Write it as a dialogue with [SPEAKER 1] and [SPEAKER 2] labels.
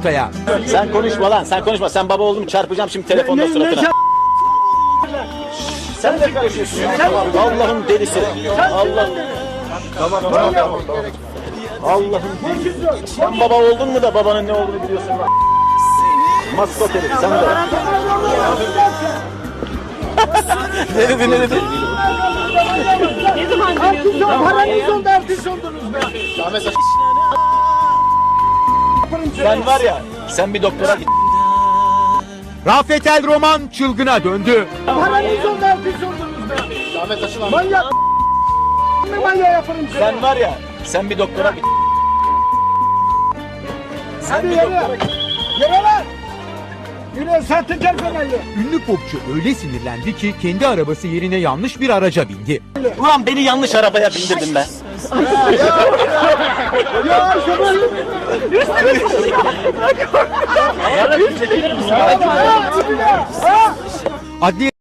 [SPEAKER 1] ortaya.
[SPEAKER 2] Sen konuşma lan, sen konuşma. Sen baba oldum çarpacağım şimdi telefonda suratına. Sen de karışıyorsun. Allah'ın delisi. Allah'ım. Tamam. Allah'ım delisi. Sen baba oldun mu da babanın ne olduğunu biliyorsun lan. Maskot herif sen de. Ne dedi?
[SPEAKER 3] Ne zaman dönüyorsunuz?
[SPEAKER 4] Paranız oldu, artist oldunuz be.
[SPEAKER 2] Sen var ya, sen bir doktora git.
[SPEAKER 1] Rafet El Roman çılgına döndü.
[SPEAKER 4] Paranız oldu, artist oldunuz be. Manyak. Manyak yaparım seni.
[SPEAKER 2] Sen var ya, sen bir doktora git.
[SPEAKER 4] Hadi yere. Yere lan. Yine sahtekar fenerli.
[SPEAKER 1] Ünlü popçu öyle sinirlendi ki kendi arabası yerine yanlış bir araca bindi.
[SPEAKER 2] Ulan beni yanlış arabaya bindirdin be.
[SPEAKER 4] Ya şoför.
[SPEAKER 1] Adliye